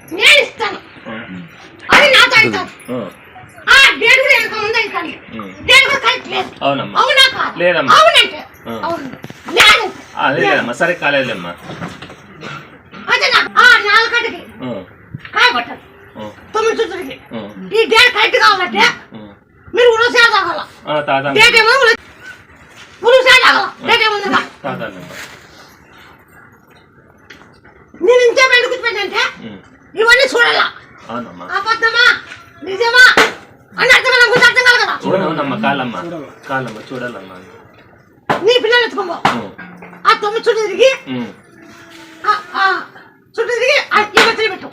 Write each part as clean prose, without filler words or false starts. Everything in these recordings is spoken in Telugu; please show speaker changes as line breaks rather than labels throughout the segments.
నేను ఇస్తాను అది నాతో అవుతాను డేట్ కూడా వెనక ముందు అవుతాను డేట్ కూడా కరెక్ట్ లేదు
అవునమ్మా
అవునా కాదు
లేదమ్మా
అవునంటే అవును లేదు
లేదమ్మా సరే కాలేదమ్మా
అదే నాలుగు గంటకి కాయ పట్టాలి 9 చుట్టూకి ఈ డేట్ కరెక్ట్ కావాలంటే మీరు ఉరుసా తాగాల డేట్ ఏమో ఉరుసా తాగాల డేట్ ఏమో నేను ఇంతే బయట కూర్చోబెట్టంటే ఇవన్నీ చూడాలా అబద్ధమా నిజమా అని అర్థం అర్థం కాదు కదా
చూడమ్మా కాలమ్మా చూడాలమ్మా
నీ పిల్లలు ఎత్తుకోబో ఆ 9 చుట్టూ తిరిగి ఇవ్వచ్చి పెట్టు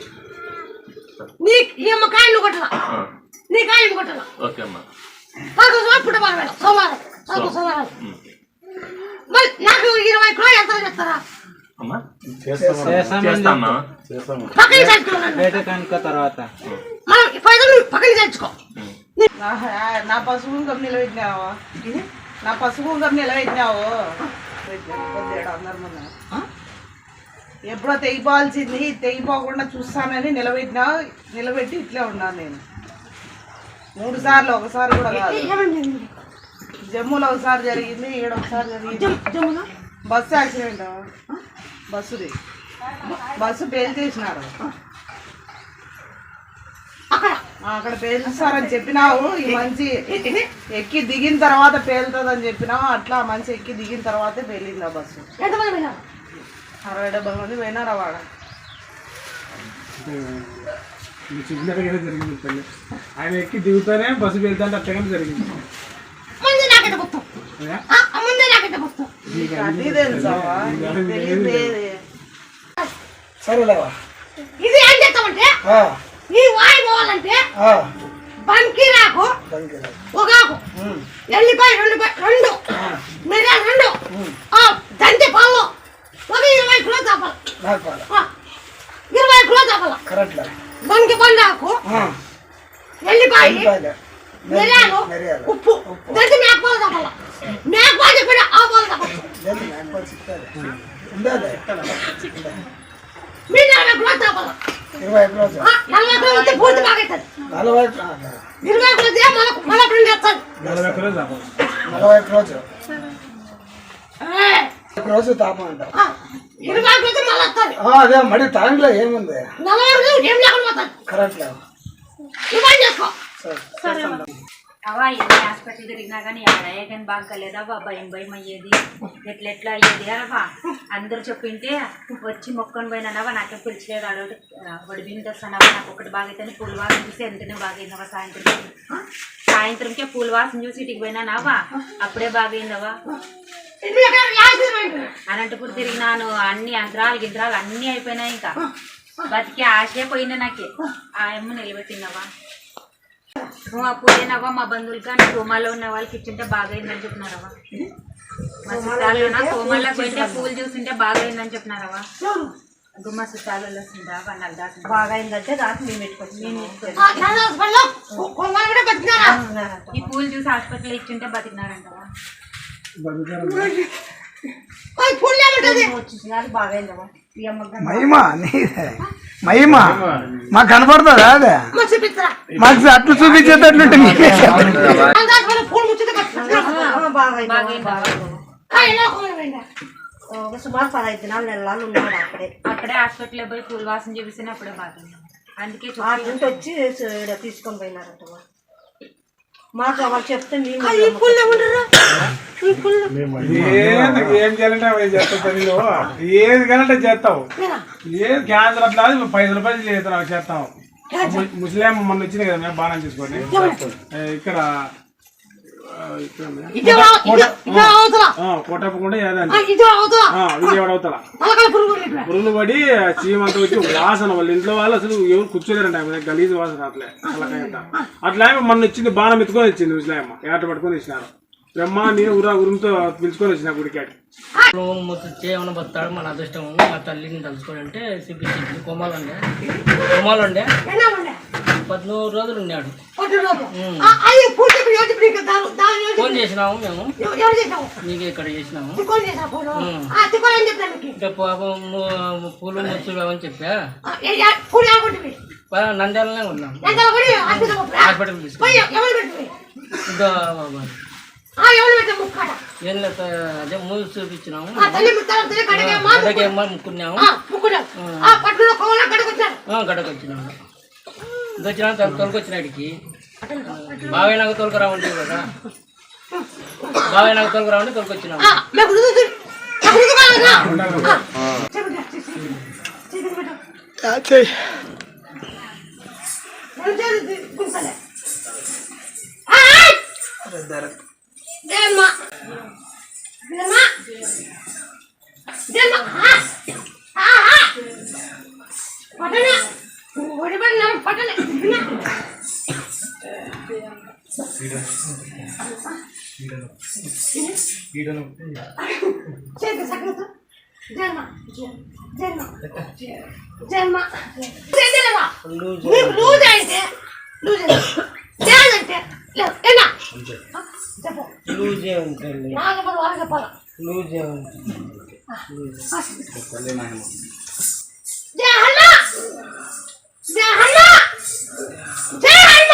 నీ ఈ అమ్మ కాయ నువ్వు కొట్టాల నీ కాయ నువ్వు కొట్టాల
ఓకే అమ్మా
పుట్టబారు సోమవారం మరి నాకు 20 కిలో ఎంత చెప్తారా పక్కన తెచ్చుకో
నా పసుపు కుంకం నిలబెట్టినావు నా పసుపు కుంకం నిలబెట్టినావు ఎప్పుడో తెగిపోవాల్సింది తెగిపోకుండా చూస్తానని నిలబెట్టి ఇట్లే ఉన్నాను నేను 3 సార్లు ఒకసారి కూడా కాదు జమ్మూలో ఒకసారి జరిగింది ఈడ ఒకసారి జరిగింది బస్సు యాక్సిడెంట్ బస్సు పేల్చేసినారు అక్కడ పేల్చారని చెప్పినావు ఈ మంచి ఎక్కి దిగిన తర్వాత పేలుతుంది అని చెప్పినావు అట్లా మంచి ఎక్కి దిగిన తర్వాతే పేలింది ఆ బస్సు 60-70 మంది పోయినారా వాడ
జరిగింది ఆయన ఎక్కి దిగుతానే బస్సు వెళ్తాంటే అట్టగానే జరిగింది
సరేలేవా ఇది ఏం చేస్తామంటే ఈ వాయి పోవాలంటే బంకిరాకు పొగాకు ఎల్లిపాయ 2 మిరియాలు 2 దంతి పాలు ఒక 20 కిలో చాపాలి 20 కిలో చాపాలి బంకి పండాకు ఎల్లిపాయ మిరియాలు ఉప్పు దంతి మేకపాలు చాపాలి మేకపాలు చెప్పిన ఆ పాలు చాపాలి మీరు 40 కిలో చాపాలి 40 కిలో పూర్తి బాగా అవుతుంది 20 కిలో మళ్ళీ 2 చేస్తాను
40 కిలో చాపాలి
40
రోజు తాపం అంటారు
20 కిలో మళ్ళీ వస్తుంది
అదే మరి టైంలో ఏముంది
40 కిలో ఏం లేకుండా పోతుంది
కరెక్ట్
ఇవ్వండి చేసుకో
అవా ఎన్ని హాస్పిటల్ తిరిగినా కానీ ఎవడయ్యా కానీ బాగా కలేదావా భయం అయ్యేది ఎట్లా అయ్యేది అనవా అందరూ చెప్పింటే వచ్చి మొక్కని పోయినావా నాకేం పిలిచలేదు అడవుడు వడి బిందు వస్తానవా నాకు ఒకటి బాగా అయితే పూల వాసన చూసి ఎంతనే బాగైందవా సాయంత్రంకే పూల వాసన చూసి ఇంటికి పోయినావా అప్పుడే బాగైందవా అనంతపురం తిరిగినాను అన్ని యంత్రాలు అన్నీ అయిపోయినాయి ఇంకా బతికి ఆశే పోయినా నాకే ఆ అమ్మ నిలబెట్టినవా అప్పుడేనవ్వా మా బంధువులు కానీ కోమాలో ఉన్న వాళ్ళకి ఇచ్చింటే బాగైందని చెప్పినారవా మా చుట్టాలు కోమాలో పోయింటే పూలు చూసింటే బాగైందని చెప్పినారవా గుమ్మ చుట్టాలలో వస్తుందా వాళ్ళు దాకా బాగైందంటే దాకా మేము పెట్టుకోవచ్చు ఈ పూలు చూసి హాస్పిటల్ ఇచ్చింటే బతికినారంటవా బాగైందవా
మహిమా మాకు కనపడుతుందా అదే మాకు అట్లు చూపించేటట్లుంటే
సుమారు 15 దినాలు నెలలు ఉన్నాడు
అక్కడే హాస్పిటల్ పోయి పూల వాసన చూపిస్తేనే అప్పుడే బాగుంది అందుకే
వచ్చి తీసుకొని పోయినారంట మాకు వాళ్ళు చెప్తే
ఏం చేయాలంటే చేస్తావు ఏది కానంటే చేస్తావు ఏది క్యాన్సర్ అట్లా 5 రూపాయలు చేస్తావు ముస్లిం మొన్న వచ్చింది కదా మేము బాగా చేసుకోండి ఇక్కడ కోటప్పకుండా విజయవాడ అవుతా పురుగులు పడి చీమంతా వచ్చి వాసన వాళ్ళ ఇంట్లో వాళ్ళు అసలు ఎవరు కూర్చోలేరంట గలీజు వాసన అట్లే అట్లా మొన్న వచ్చింది బాణం ఎత్తుకొని వచ్చింది ముస్లాయమ్మ ఏట పట్టుకొని ఇచ్చినారు బ్రహ్మ నేను ఉరుముతో పిలుచుకొని వచ్చిన గుడికాడి
చేయమని బతాడు మన అదృష్టం మా తల్లిని తలుచుకొని అంటే చూపించింది కోమాలు ఉండే 14 రోజులు ఉన్నాడు
రోజు నీకు దాని రోజు
ఫోన్ చేసినాము మేము,
ఎవరు చేసావు
నీకు ఇక్కడ చేసినాము.
తిక్కోని చేసా ఫోన్ తిక్కోని ఏం చెప్పినా మీకు
ఇంకా పాపం పూలు ముచ్చులు అని చెప్పా.
పూలు ఆడుకుంటుంది
నంద్యాలనే ఉన్నాం,
ఎంత కూడా హాస్పిటల్
హాస్పిటల్ తీసుకు.
పోయి ఎవరు పెట్టింది ఎవరు పెట్టా ముక్కాడ
ఏం లేదు, అదే మూవీ చూపించినాము.
తల్లి ముత్తాలు కడగేమ్మా
గడకేమ్మా ముక్కున్నాము,
ముక్కున్నాం పట్టులో కోవలా కడగొచ్చారు
గడకు వచ్చినాము. వచ్చినా తొలకొచ్చినాడికి బాగా నాకు తొలకరావండి కదా, బాగా నాకు తొలకరావండి తొలకొచ్చినాము.
మీకు పట్టనే ఒడిపడిన పట్టనే చేతి సకలతో జన్మ జన్మ జన్మ చేతిలేవా నీకు లూజ్ అయితే లూజ్ చేయాలంటే లేదు ఏనా చెప్పు
లూజే ఉంటుంది,
నాకు చెప్పదు వాళ్ళకి చెప్పాలా
లూజే ఉంటుంది.
జయ హన్న జయ హన్న జయ హన్న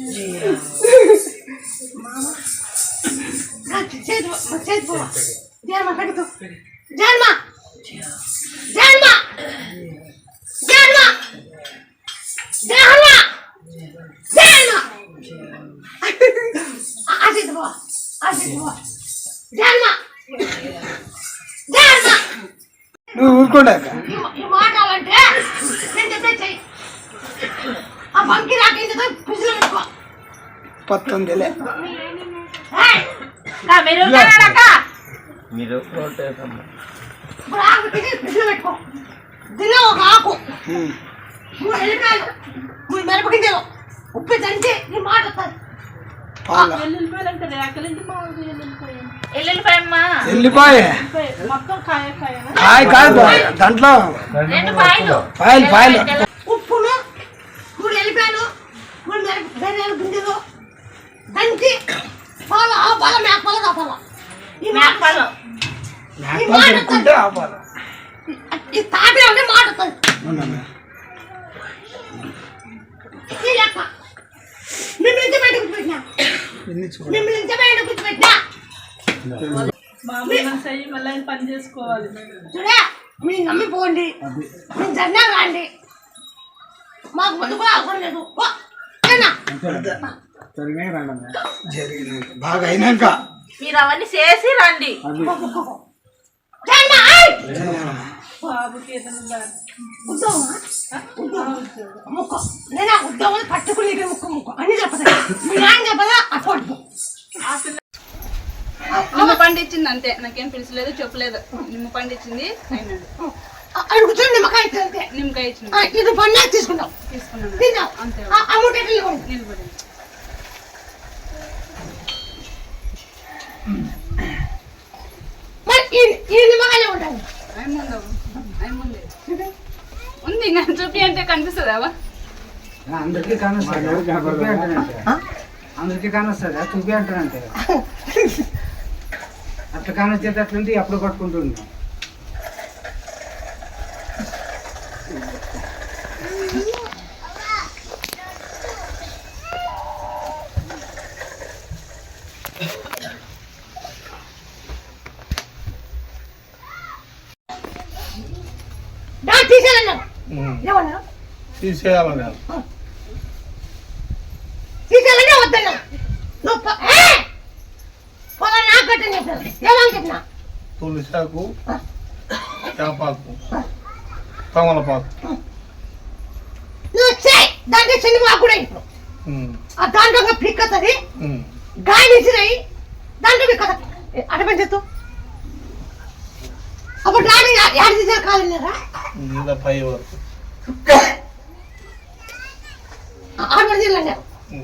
చేతి పో జన్మ కడుతూ జన్మ జన్మ జన్మ జయ హన్న జన్మ ఆశిత్ పో జన్మ జన్మ
నువ్వు ఊరుకోడాక
ఈ మాటాలంటే నేను చెప్పే చెయ్యి ఆ బంకి రాకేందుకు పిసిలో పెట్టుకో
19
మీరు
మీరు
ఇప్పుడు ఆకు తీసి పిసిలో పెట్టుకో దీనిలో ఒక ఆకు 3 ఎల్లిపాయలు 3 మిరపగింజలు ఉప్పు దంచి నీ మాట వస్తుంది
ఎల్లిపాయ కాయ కాదు దాంట్లో పాయలు
ఉప్పును 3 ఎల్లిపాయలు 3 మిరప గింజలు దంచి పాలు ఆపాల మేకపాల కాపాల ఈ మేకపాలు
పెట్టుకుంటే ఆపాలి
ఈ తాపే అంటే మాట వస్తుంది ఈ లెక్క మిమ్మల్ని ఇంత బయటకు పెట్టినా మిమ్మల్ని ఇంత బయటకు పెట్టినా
మళ్ళీ పని చేసుకోవాలి.
చూడే మీరు నమ్మిపోండి మీరు జన్నా రాండి మాకు ముందు కూడా అవసరం లేదు
జరిగినాక బాగా అయినాక
మీరు అవన్నీ చేసి రండి.
నేను ఉద్యోగం పట్టుకుని ముక్కు అన్ని చెప్పదా మీ నాన్న చెప్పదా అప్పుడు
నిమ్మ పండించింది అంతే, నాకేం పిలిచలేదు చెప్పలేదు. నిమ్మ పండించింది అయినాడు,
అడుగుతుంది నిమ్మకాయ ఇస్తే
నిమ్మకాయ ఇచ్చిన
ఇది పన్నా తీసుకున్నాం
తీసుకున్నాను అంతే.
అమౌంట్
నిలబడింది
మరి ఈ నిమ్మకాయలే ఉంటాయి
ముందే ఉంది ఇంకా చూపి అంటే కనిపిస్తుందా?
అందరికీ కానొస్తుంది అందరికీ కానొస్తుందా చూపి అంటానంటే అట్లా కానొచ్చేది అట్లుంటే అప్పుడు పట్టుకుంటుంది.
తీసేయాలంటే వద్దన్నా నువ్వు పొలం నాకు కట్టని చెప్పాను ఏమని చెప్పినా
తులసాకు చేపాకు తమలపాకు
నువ్వు చేయి దాంట్లో చిన్న మాకు కూడా ఇప్పుడు ఆ దాంట్లో పిక్కతుంది గాలి ఇచ్చినాయి దాంట్లో పిక్కత అటు పని చేస్తావు అప్పుడు రాని యాడ్ తీసారు కాలేరా
పై వరకు
ఆడ జిల్లా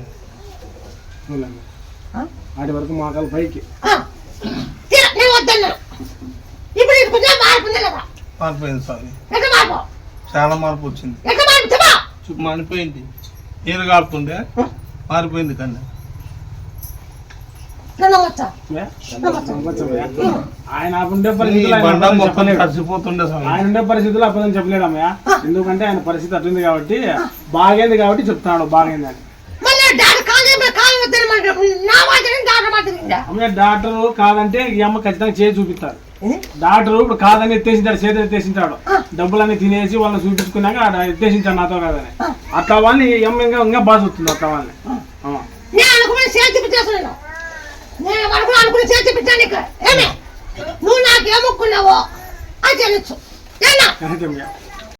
ఆడి వరకు మాకాలు పైకి
నేను వద్దన్నా ఇప్పుడు ఇది కొంచెం మారిపోయింది కదా
మారిపోయింది స్వామి,
ఎక్కడ మార్పు
చాలా మార్పు వచ్చింది.
ఎక్కడ మార్పు చెప్పా
మారిపోయింది, నీరు కాపుతుండే మారిపోయింది కన్నా
నమ్మొచ్చా
ఆయన ఉండే
ఈ
పరిస్థితులు
బండ
ఆయన
మొత్తం
చెప్పలేడు.
కలిసిపోతుండే స్వామి.
ఆయన ఉండే పరిస్థితులు అబద్ధం చెప్పలేడమ్మయ్య. ఎందుకంటే ఆయన పరిస్థితి అట్లుంది కాబట్టి బాగైంది కాబట్టి చెప్తున్నాడు బాగైంది అని. అమ్మ డాక్టర్ కాదంటే ఈ అమ్మ ఖచ్చితంగా చేసి చూపిస్తాడు. డాక్టర్ ఇప్పుడు కాదని ఎత్తేసింటాడు, చేతి ఎత్తేసింటాడు, డబ్బులన్నీ తినేసి వాళ్ళని చూపించుకున్నాక ఎత్తేసింటాడు నాతో కాదని. అట్లా వాళ్ళని ఈ అమ్మ ఇంకా బాధ వస్తుంది. అట్లా వాళ్ళని
నేను అనుకుని చేర్చిపించేస్తున్నాను. నేను అనుకుని చేర్చిపించాను. ఏమే నువ్వు నాకేమొక్కున్నావో అది చెల్లించు.
కరెక్ట్ అమ్మయ్య.